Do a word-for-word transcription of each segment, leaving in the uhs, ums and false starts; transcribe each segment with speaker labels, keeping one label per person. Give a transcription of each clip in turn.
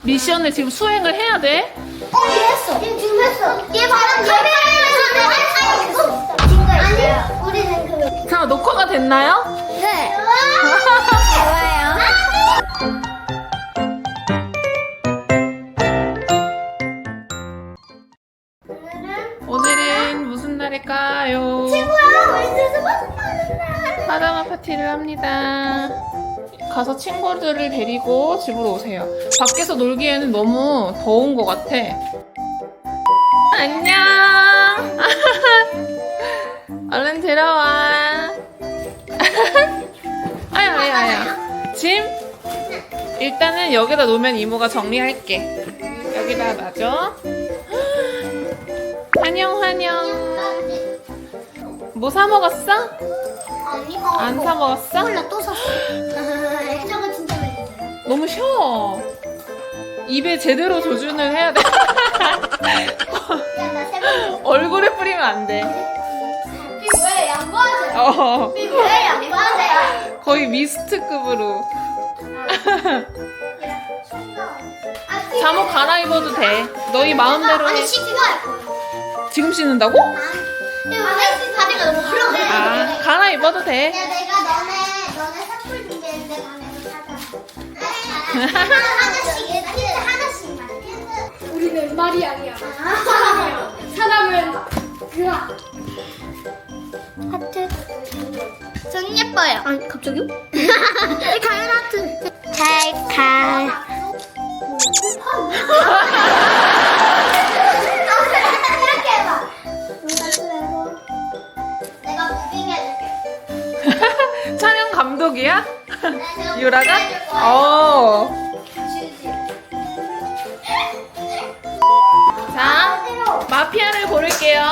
Speaker 1: 미션을 지금 수행을 해야 돼?
Speaker 2: 어, 얘 했어. 얘 지금 했어. 얘 바람 얘 했어. 아니, 우리는 그.
Speaker 1: 자, 녹화가 됐나요?
Speaker 2: 네. 좋아요.
Speaker 1: 오늘은 무슨 날일까요?
Speaker 2: 친구야, 우리 크리스마스 파는 날.
Speaker 1: 파자마 파티를 합니다. 가서 친구들을 데리고 집으로 오세요. 밖에서 놀기에는 너무 더운 것 같아. 안녕. 얼른 들어와. 아야 아야 아야. 짐? 일단은 여기다 놓으면 이모가 정리할게. 여기다 놔줘. 환영 환영. 뭐 사 먹었어?
Speaker 2: 아니,
Speaker 1: 안 사 먹었어?
Speaker 2: 콜라 또 샀어. 저거 진짜 맛있어.
Speaker 1: 너무 쉬워. 입에 제대로 조준을 해야 돼.
Speaker 2: 야, 나 세번
Speaker 1: 얼굴에 뿌리면 안 돼.
Speaker 2: 피부에 양보하세요.
Speaker 1: 어,
Speaker 2: 피부에 양보하세요.
Speaker 1: 거의 미스트급으로. 잠옷 갈아입어도 돼. 너희 마음대로 해.
Speaker 2: 아니, 씻기가 할 거야.
Speaker 1: 지금 씻는다고?
Speaker 2: 아저씨 바지가 너무 그러네.
Speaker 1: 아, 갈아입어도 돼.
Speaker 2: 야, 내가 너네 너네 사풀 준비했는데 밤에서 사자. 하나씩 힌트 하나씩만.
Speaker 3: 우리는 마리아이야.
Speaker 2: 아.
Speaker 3: 사람은 그아.
Speaker 2: 하트. 전 예뻐요. 아니 갑자기요? 가연 하트. 잘 가. 이렇게 해봐. 내가 무빙 해줄게.
Speaker 1: 촬영 감독이야?
Speaker 2: 내가
Speaker 1: 유라가?
Speaker 2: 무빙 해줄 거야.
Speaker 1: 어. 자, 마피아를 고를게요.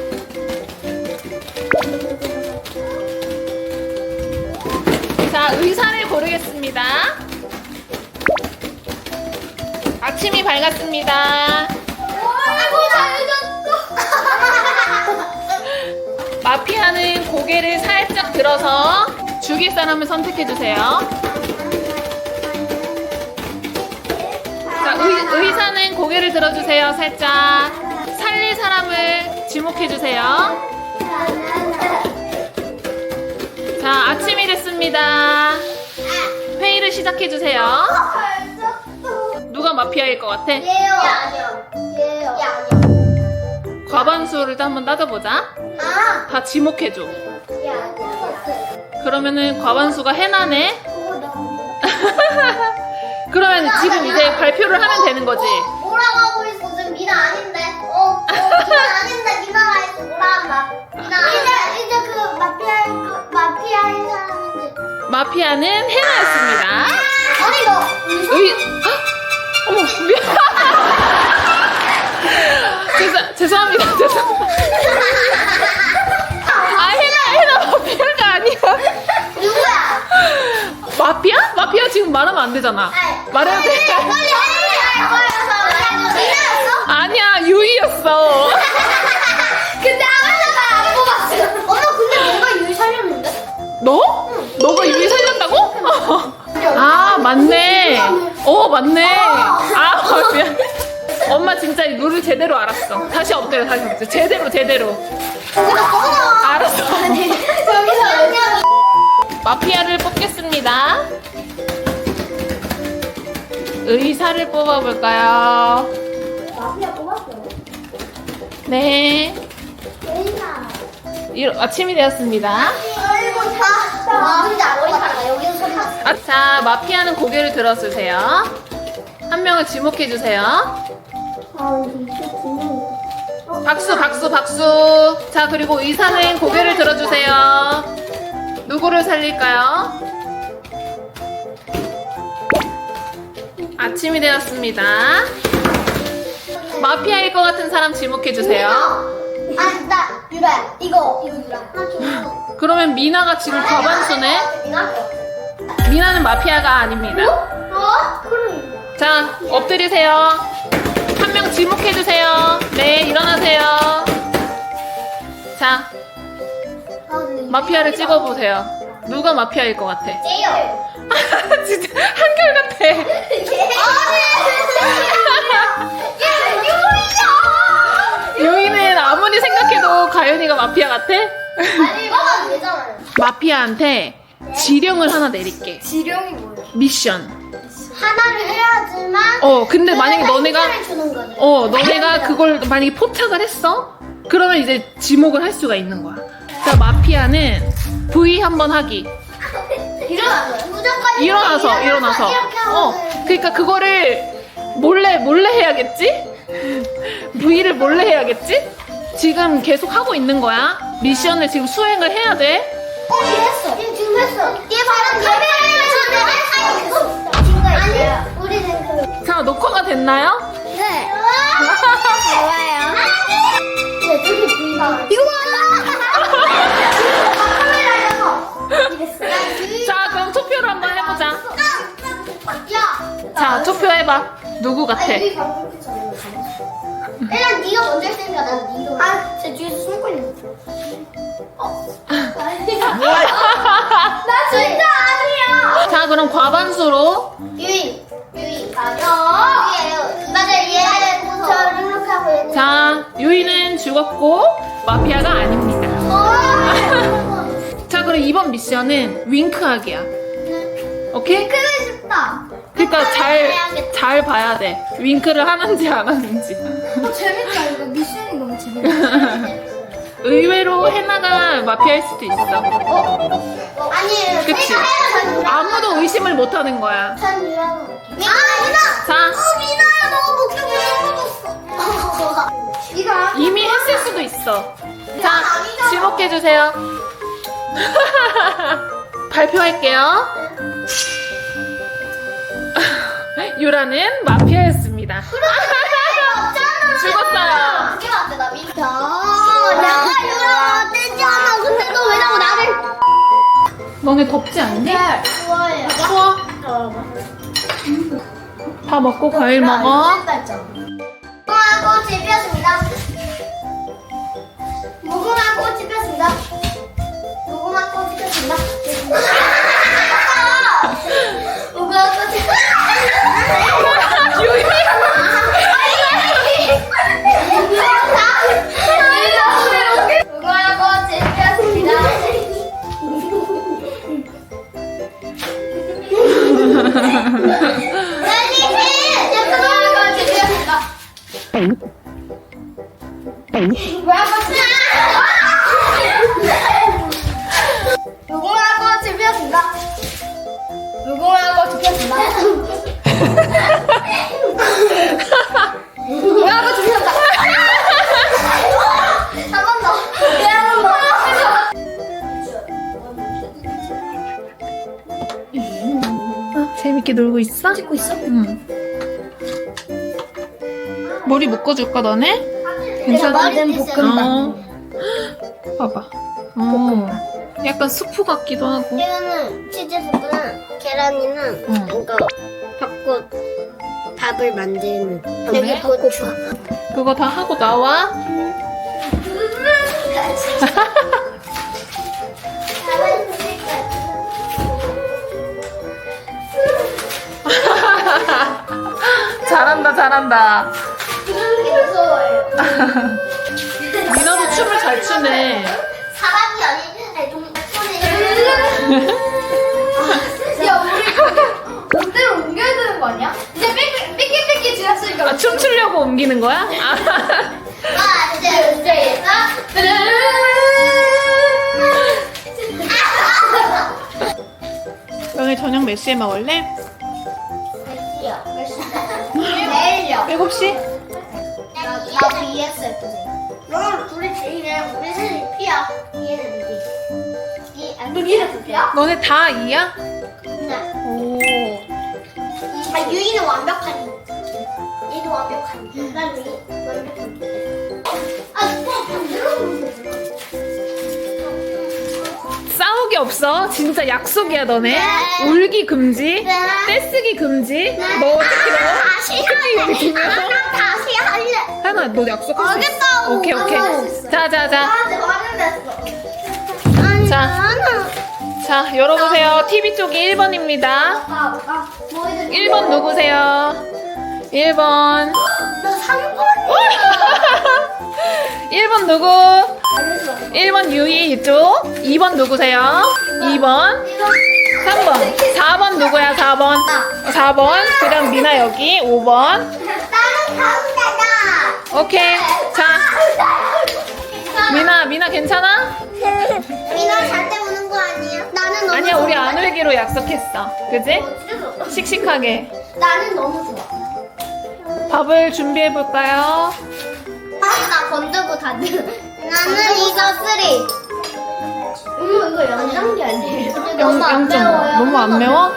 Speaker 1: 자, 의사를 고르겠습니다. 아침이 밝았습니다.
Speaker 2: 아이고 잘해줬어.
Speaker 1: 마피아는 고개를 살짝 들어서 죽일 사람을 선택해주세요. 자, 의, 의사는 고개를 들어주세요. 살짝. 살릴 사람을 지목해주세요. 자, 아침이 됐습니다. 회의를 시작해주세요. 누가 마피아일 것 같아?
Speaker 2: 얘요. 아니요. 얘요. 얘 아니요.
Speaker 1: 과반수를 또 한번 따져보자.
Speaker 2: 아.
Speaker 1: 다 지목해줘.
Speaker 2: 얘 아니요.
Speaker 1: 그러면은 과반수가 해나네?
Speaker 2: 그거 나 아니야.
Speaker 1: 그러면 지금 이제 발표를 하면 되는 거지.
Speaker 2: 뭐라고 하고 있어? 지금 미나 아닌데? 어, 어 미나 아닌데 미나가 있어. 뭐라 한다. 미나 이제 이제 그 마피아 그 마피아인 사람인지.
Speaker 1: 마피아는 해나였습니다.
Speaker 2: 아니 너
Speaker 1: 의, 헉! 어머, 미안. 죄송, 죄송합니다. 죄송합니다. 아, 해나, 해나 마피아가 아니야.
Speaker 2: 누구야?
Speaker 1: 마피아? 마피아 지금 말하면 안 되잖아. 말해도 돼.
Speaker 2: 빨리 빨리 할 거여서 미나였어?
Speaker 1: 아니야, 유이였어.
Speaker 2: 근데 아무도 안 뽑았어. 엄마 근데 내가 유리 살렸는데?
Speaker 1: 너? 너가 유이 살렸다고? 아, 맞네. 어, 맞네. 아, 미안. 엄마 진짜 이 룰을 제대로 알았어. 다시 엎드려, 다시 엎드려. 제대로, 제대로.
Speaker 2: 거기다 써놔.
Speaker 1: 알았어.
Speaker 2: 여기서 아니야.
Speaker 1: 마피아를 뽑겠습니다. 의사를 뽑아볼까요?
Speaker 2: 마피아 뽑았어.
Speaker 1: 네.
Speaker 2: 예인아.
Speaker 1: 이- 아침이 되었습니다.
Speaker 2: 아이고 다. 와 근데 머리카락 여기서 소리 났어.
Speaker 1: 아, 자, 마피아는 고개를 들어주세요. 한 명을 지목해주세요.
Speaker 2: 아 이게 구멍.
Speaker 1: 박수, 박수, 박수. 자, 그리고 의사는 고개를 들어주세요. 누구를 살릴까요? 아침이 되었습니다. 마피아일 것 같은 사람 지목해주세요.
Speaker 2: 아나 유라야. 이거 이거 유라. 나 줘.
Speaker 1: 그러면 미나가 지금 과반수네?
Speaker 2: 미나?
Speaker 1: 미나는 마피아가 아닙니다.
Speaker 2: 어? 그래.
Speaker 1: 자, 엎드리세요. 한 명 지목해주세요. 네, 일어나세요. 자,
Speaker 2: 아, 근데
Speaker 1: 마피아를 찍어보세요. 누가 마피아일 것 같아?
Speaker 2: 쟤요.
Speaker 1: 진짜 한결같아. 유이는 아무리 생각해도 가연이가 마피아 같아?
Speaker 2: 아니 이거는 되잖아요.
Speaker 1: 마피아한테 지령을 하나 내릴게.
Speaker 3: 지령이 뭐예요?
Speaker 1: 미션.
Speaker 2: 하나를 해야지만.
Speaker 1: 어, 근데 만약에 너네가
Speaker 2: 힌트를 주는 거지.
Speaker 1: 어, 너네가 그걸 만약에 포착을 했어? 그러면 이제 지목을 할 수가 있는 거야. 자, 마피아는 V 한번 하기.
Speaker 2: 일어나서 무조건
Speaker 1: 일어나서, 일어나서.
Speaker 2: 이렇게 하고.
Speaker 1: 어, 그러니까 그거를 몰래, 몰래 해야겠지? V를 몰래 해야겠지? 지금 계속 하고 있는 거야. 미션을 지금 수행을 해야 돼.
Speaker 2: 어, 얘 했어. 얘 지금 했어. 얘 바로 카메라를 전에 아니, 아니, 우리는 그.
Speaker 1: 자, 녹화가 됐나요?
Speaker 2: 네. 좋아요. 네, 저기 V가. 이거 봐. 카메라에서 이랬어.
Speaker 1: 자, 그럼 투표를 한번 해보자.
Speaker 2: 야.
Speaker 1: 자, 투표해봐. 누구 같아?
Speaker 2: 아니, 방금 그 전에 일단 네가 먼저 했으니까 난 네가. 아, 제 뒤에서 숨고 있는 거. 어. 나 진짜 아니야.
Speaker 1: 자, 그럼 과반수로.
Speaker 2: 유이. 유이. 맞아. 유이예요. 맞아, 얘. 저 이렇게 하고 얘는.
Speaker 1: 자, 유이는 죽었고 마피아가 아닙니다.
Speaker 2: 어.
Speaker 1: 자, 그럼 이번 미션은 윙크하기야. 오케이?
Speaker 2: 크고 싶다.
Speaker 1: 그러니까 잘,
Speaker 2: 해야겠다.
Speaker 1: 잘 봐야 돼. 윙크를 하는지 안 하는지.
Speaker 3: 어, 재밌다. 이거 미션이 너무 재밌다.
Speaker 1: 의외로 해나가 마피아일 수도 있어.
Speaker 2: 어? 아니,
Speaker 1: 그치?
Speaker 2: 내가 해야 전
Speaker 1: 아무도 의심을 못 하는 거야.
Speaker 2: 전 유라고. 아, 미나.
Speaker 1: 자,
Speaker 2: 어, 미나야, 너가 목표 못 먹었어. 네가.
Speaker 1: 이미 했을 수도 있어. 자, 지목해주세요. 발표할게요. 유라는 마피아였습니다. 죽었어요.
Speaker 2: 그게 맞대, 나 미나. 내가 유라 떼잖아. 근데 너 왜 자꾸 나를.
Speaker 1: 너네 덥지 않니?
Speaker 2: 좋아해.
Speaker 1: 추워? 다 먹고 과일 먹어.
Speaker 2: 무궁화 꽃이 피었습니다. 무궁화 꽃이 피었습니다. 무궁화 꽃이 피었습니다. 무궁화 꽃이
Speaker 1: 유이.
Speaker 2: 무궁화 꽃이 피었습니다. 무궁화 꽃이 피었습니다. 무궁화 꽃이 피었습니다. 무궁화 꽃이 피었다. 한 번 더. 네, 한 번 더.
Speaker 1: 재밌게 놀고 있어?
Speaker 2: 찍고 있어?
Speaker 1: 응. 머리 묶어줄까 너네?
Speaker 2: 괜찮아?
Speaker 1: 어. 봐봐. 어. 약간 수프 같기도 하고.
Speaker 2: 이거는 치즈 스프는 계란이는
Speaker 1: 응.
Speaker 2: 이거 벚꽃 밥을 만드는 여기 고추.
Speaker 1: 그거 다 하고 나와. 잘한다, 잘한다.
Speaker 2: 무서워요.
Speaker 1: 민아도 춤을 잘 추네.
Speaker 2: 사람이 아니 아니 동 소리.
Speaker 3: 야, 우리 그대로 옮겨야 되는 거 아니야? 이제 삐끼 삐끼 삐끼 지났으니까.
Speaker 1: 아, 춤추려고 옮기는 거야? 아.
Speaker 2: 하나 둘 셋.
Speaker 1: 오늘 저녁 몇 시에 먹을래?
Speaker 2: 내일요.
Speaker 1: 일곱 시?
Speaker 2: 나도 이해했어요. 너랑 둘이 제이네. 우리 셋이 피야. 이해는 니. 니 아니 이해는 피야?
Speaker 1: 너네 다 이야?
Speaker 2: 네.
Speaker 1: 오.
Speaker 2: 아 유이는 완벽하니. 얘도 완벽하니. 난 유이 완벽하니. 아 오빠 반대로 보면 되지.
Speaker 1: 싸우기 없어. 진짜 약속이야, 너네.
Speaker 2: 네.
Speaker 1: 울기 금지.
Speaker 2: 네.
Speaker 1: 떼쓰기 금지.
Speaker 2: 네.
Speaker 1: 너 특히 너.
Speaker 2: 다시 할래. 나랑 다시 할래.
Speaker 1: 하나, 너 약속할 수 있어.
Speaker 2: 알겠다고.
Speaker 1: 오케이, 오케이.
Speaker 2: 나도 할수 있어.
Speaker 1: 자, 자, 자.
Speaker 2: 나한테 말을 했어. 아니
Speaker 1: 자.
Speaker 2: 나는
Speaker 1: 자, 열어보세요. 티비 쪽이 일 번입니다.
Speaker 2: 아, 아, 뭐이든
Speaker 1: 일 번 누구세요? 일 번.
Speaker 2: 나 삼 번이야.
Speaker 1: 일 번 누구? 일 번 유이 이쪽. 이 번 누구세요? 이 번. 삼 번. 사 번 누구야? 사 번. 사 번. 그 다음 미나 여기. 오 번.
Speaker 2: 나는 가운데다.
Speaker 1: 오케이. 자, 미나, 미나 괜찮아?
Speaker 2: 미나 잘 때 우는 거 아니야? 나는 너무
Speaker 1: 아니야, 우리
Speaker 2: 좋아.
Speaker 1: 안 울기로 약속했어. 그지? 씩씩하게.
Speaker 2: 나는 너무 좋아.
Speaker 1: 밥을 준비해 볼까요?
Speaker 2: 아니 나 건들고 다들. 나는 이거 쓰리. 음 이거 영장기 아니에요? 너무 안
Speaker 1: 영 점.
Speaker 2: 매워요.
Speaker 1: 너무 안 매워?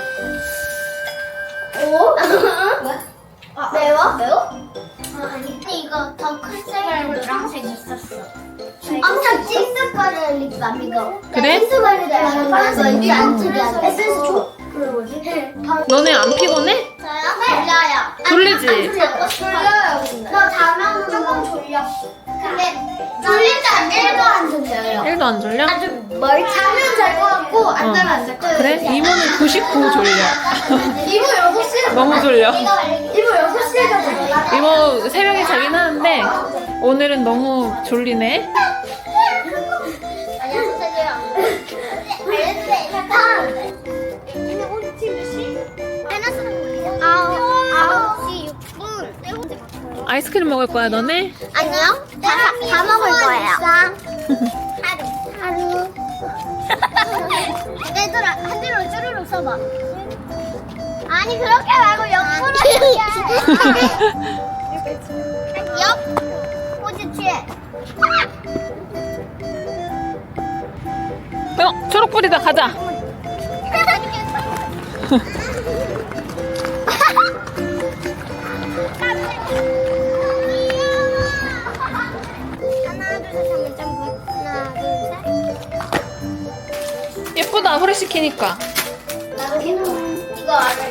Speaker 2: 오? 왜? 아, 매워? 매워? 아, 아니 근데 이거 더 클색이랑 노란색 있었어. 엄청 찡득거리는 립밤 이거.
Speaker 1: 그래?
Speaker 2: 찡득거리는 립밤 이거 안 특이하다. 에센스 줘. 그게 뭐지?
Speaker 1: 너네 안 피곤해?
Speaker 2: 저요? 졸려요.
Speaker 1: 졸리지?
Speaker 2: 졸려요. 저 자면 조금 졸려. 근데 졸릴 때 일도 안 졸려요.
Speaker 1: 일도 안 졸려?
Speaker 2: 아주 멀 자면 잘 것 같고 안
Speaker 1: 어.
Speaker 2: 자면 안 잘 것 같고.
Speaker 1: 그래? 이모는 구십구 졸려.
Speaker 2: 이모 여섯 시에
Speaker 1: 너무 졸려.
Speaker 2: 이모 여섯 시에 자고.
Speaker 1: 이모 새벽에 자긴 하는데 오늘은 너무 졸리네.
Speaker 2: 아니야 선생님. 알려주세요. 잠깐. 근데 오늘 지금 몇 시? 해놨으면 아홉 아홉 시 육 분.
Speaker 1: 아이스크림 먹을 거야 너네?
Speaker 2: 아니요. 다, 다 먹을 거예요. 하루. 하루. 얘들아, 한 대로 쭈루룩 써봐. 아니, 그렇게 말고 옆으로 이렇게. 옆. 포즈 취해.
Speaker 1: 어, 초록불이다. 가자.
Speaker 2: 하나, 둘, 셋 하면 점프. 하나, 둘, 셋.
Speaker 1: 예쁘다. 후레쉬 키니까.
Speaker 2: 나도 계속 이거 알아.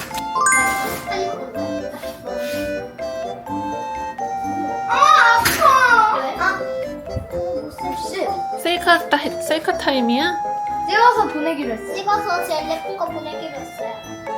Speaker 2: 아, 아파. 왜? 아.
Speaker 3: 혹시
Speaker 1: 셀카, 타, 셀카 타임이야?
Speaker 3: 찍어서 보내기로 했어.
Speaker 2: 찍어서 제일 예쁜 거 보내기로 했어요.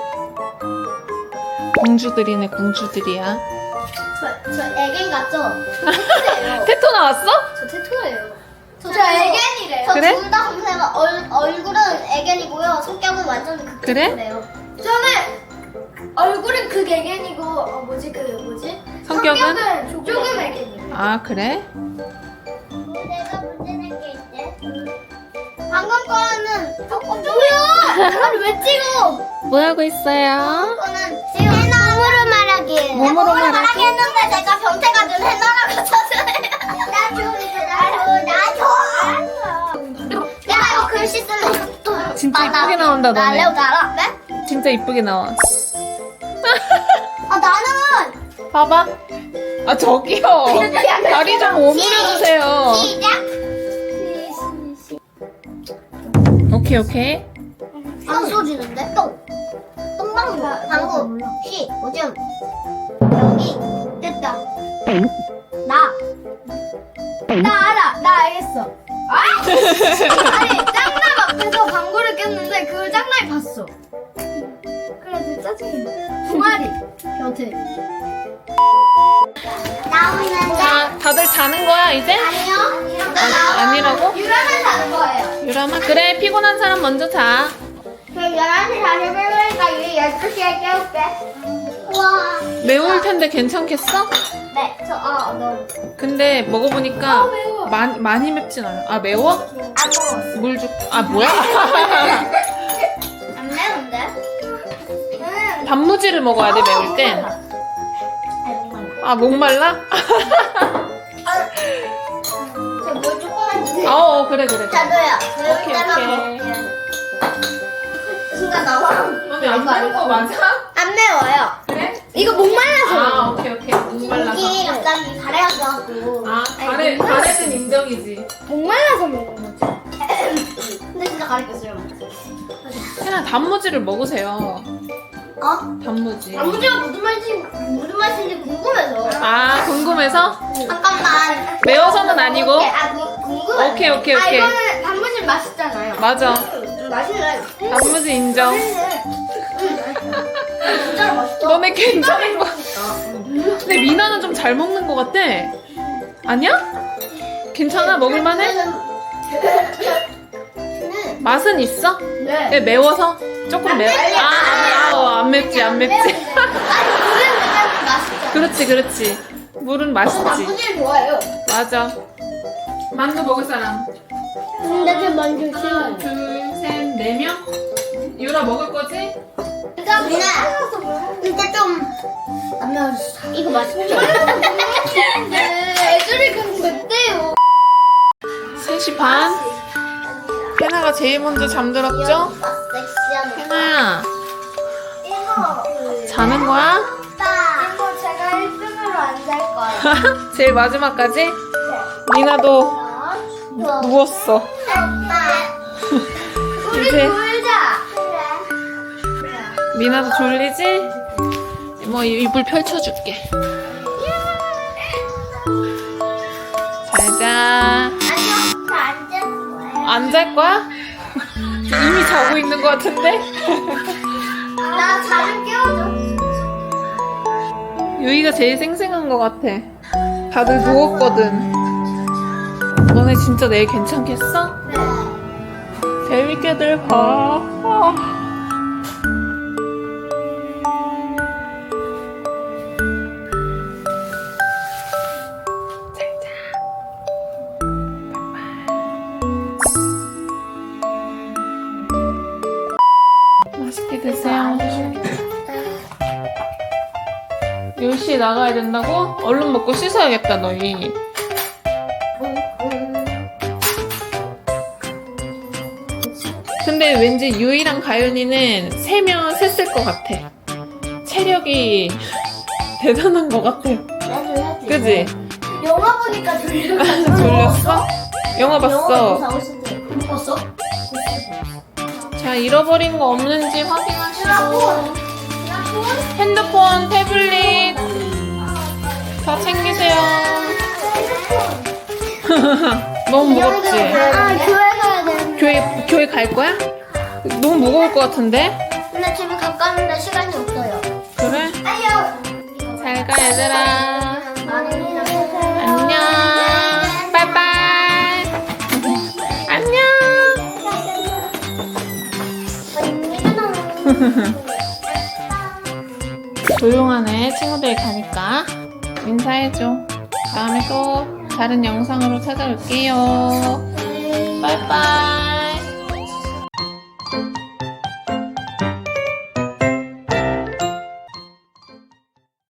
Speaker 1: 공주들이네, 공주들이야.
Speaker 2: 저, 저 애견 같죠? 저 테토예요.
Speaker 1: 테토 나왔어?
Speaker 2: 저 테토예요. 저,
Speaker 3: 저 애견이래요.
Speaker 2: 저
Speaker 1: 그래?
Speaker 2: 둘 다 검색어 얼, 얼굴은 애견이고요. 성격은 완전 그
Speaker 1: 그래?
Speaker 2: 테토래요.
Speaker 3: 저는 얼굴은 그 애견이고 어 뭐지 그 뭐지?
Speaker 1: 성격은?
Speaker 3: 조금, 조금 애견이에요.
Speaker 1: 아, 그래?
Speaker 2: 내가 문제 낸 게 있대. 방금 거는 조금 뭐야? 아니 왜 찍어?
Speaker 1: 뭐 하고 있어요?
Speaker 2: 거는 지금 몸으로 말하기.
Speaker 1: 몸으로 말하기.
Speaker 2: 말하기 했는데 제가 변태가 좀 해놔라고 쳤어요. 나줘, 나줘, 나줘. 내가 이거 글씨 쓰면 또
Speaker 1: 진짜
Speaker 2: 많아.
Speaker 1: 이쁘게 나온다,
Speaker 2: 나
Speaker 1: 너네.
Speaker 2: 레오 알아? 네?
Speaker 1: 진짜 이쁘게 나와.
Speaker 2: 아 나는
Speaker 1: 봐봐. 아, 저기요. 다리 좀 오므려주세요.
Speaker 2: 시작.
Speaker 1: 오케이, 오케이.
Speaker 2: 안 쏘지는데? 똥. 똥방구. 방구. 시. 오줌. 여기. 됐다. 나.
Speaker 3: 나 알아. 나 알겠어. 아! 아니 짱남 앞에서 광고를 꼈는데 그걸 짱남이 봤어. 그래서 짜증이 나. 두 마리 변태.
Speaker 2: 나오는데.
Speaker 1: 자, 다들 자는 거야, 이제?
Speaker 2: 아니요.
Speaker 1: 아, 아니라고?
Speaker 3: 유라는 자는 거예요.
Speaker 1: 유람아, 그래. 피곤한 사람 먼저 자.
Speaker 2: 그럼 열한 시 사십 분이니까 유리 열두 시에 깨울게. 우와.
Speaker 1: 매울 텐데 괜찮겠어?
Speaker 2: 네. 저, 어, 너.
Speaker 1: 근데 먹어보니까
Speaker 3: 아, 매워.
Speaker 1: 많이, 많이 맵진 않아. 아, 매워?
Speaker 2: 안 먹었어.
Speaker 1: 물 줄, 아, 뭐야?
Speaker 2: 안 매운데? 응.
Speaker 1: 단무지를 먹어야 돼, 매울 땐. 아, 목말라?
Speaker 2: 저물 조금만 주세요.
Speaker 1: 어, 그래, 그래.
Speaker 2: 자도야. 매울
Speaker 1: 오케이,
Speaker 2: 때만
Speaker 1: 오케이.
Speaker 2: 먹을게. 순간 나와.
Speaker 1: 너네 안 매운 거 맞아?
Speaker 2: 안 매워요.
Speaker 1: 그래?
Speaker 3: 이거 목말라서.
Speaker 1: 아, 오케이, 오케이. 목말라서.
Speaker 2: 여기 갑자기 가래가지고 하고.
Speaker 1: 아, 가래, 가래는 인정이지.
Speaker 3: 목말라서 먹는 거지.
Speaker 2: 근데 진짜 가래 꼈어요.
Speaker 1: 그냥 단무지를 먹으세요.
Speaker 2: 어?
Speaker 1: 단무지.
Speaker 2: 단무지가 무슨 말인지 무슨 말인지 궁금해서.
Speaker 1: 아, 궁금해서?
Speaker 2: 잠깐만.
Speaker 1: 매워서는 아니고?
Speaker 2: 아, 궁- 궁금해.
Speaker 1: 오케이, 오케이,
Speaker 3: 아
Speaker 1: 오케이.
Speaker 3: 이거는 단무지 맛있잖아요.
Speaker 1: 맞아.
Speaker 3: 맛있네.
Speaker 1: 단무지 인정.
Speaker 3: 진짜 맛있어.
Speaker 1: 너네 괜찮은 거. 근데 미나는 좀 잘 먹는 것 같아. 아니야? 괜찮아? 먹을만해? 맛은 있어?
Speaker 3: 네.
Speaker 1: 네, 매워서? 조금 매워? 아, 아, 안 맵지, 안 맵지.
Speaker 3: 아니, 물은 그냥 맛있어.
Speaker 1: 그렇지, 그렇지. 물은 맛있지.
Speaker 3: 단무지를 좋아해요.
Speaker 1: 맞아. 만두 먹을 사람.
Speaker 2: 근데 좀 먼저
Speaker 1: 하나, 둘, 셋, 네 명? 유라 먹을 거지?
Speaker 3: 일단
Speaker 2: 누나.
Speaker 3: 근데 좀 안 매웠어.
Speaker 2: 이거 맛있죠?
Speaker 3: 네, 애들이 그냥 맵대요.
Speaker 1: 세 시 반. 해나가 제일 먼저 잠들었죠?
Speaker 2: 섹시한
Speaker 1: 해나야,
Speaker 3: 이거
Speaker 1: 자는 거야?
Speaker 3: 오빠. 이거 제가 일 등으로 안 잘 거예요.
Speaker 1: 제일 마지막까지? 미나도 누웠어.
Speaker 3: 우리
Speaker 1: 이제
Speaker 3: 놀자.
Speaker 1: 미나도 졸리지? 뭐 이불 펼쳐줄게. 잘자.
Speaker 2: 아니요, 저안 잡을 거예요.
Speaker 1: 안 잘 거야? 이미 자고 있는 것 같은데?
Speaker 3: 나 자를 깨워줘.
Speaker 1: 유이가 제일 생생한 것 같아. 다들 누웠거든. 너네 진짜 내일 괜찮겠어?
Speaker 3: 네.
Speaker 1: 재밌게들 봐. 아. 맛있게 드세요. 열 시에 나가야 된다고? 얼른 먹고 씻어야겠다, 너희. 근데 왠지 유이랑 가윤이는 세면 셌을 것 같아. 체력이 대단한 것 같아.
Speaker 2: 나도 해야지.
Speaker 1: 그지?
Speaker 3: 영화 보니까 졸려.
Speaker 1: 졸렸어? 영화 봤어.
Speaker 3: 봤어?
Speaker 1: 자, 잃어버린 거 없는지 확인하시고. 핸드폰, 태블릿 다 챙기세요. 너무 무겁지?
Speaker 2: 아, 교회 가야 되는데.
Speaker 1: 교회, 교회 갈 거야? 너무 무거울 것 같은데?
Speaker 2: 근데 집에 가까운데 시간이 없어요.
Speaker 1: 그래?
Speaker 3: 아니요.
Speaker 1: 잘 가, 얘들아.
Speaker 2: 안녕.
Speaker 1: 안녕. 빠이빠이. 안녕. 조용하네. 친구들 가니까 인사해줘. 다음에 또 다른 영상으로 찾아올게요. 빠이빠이.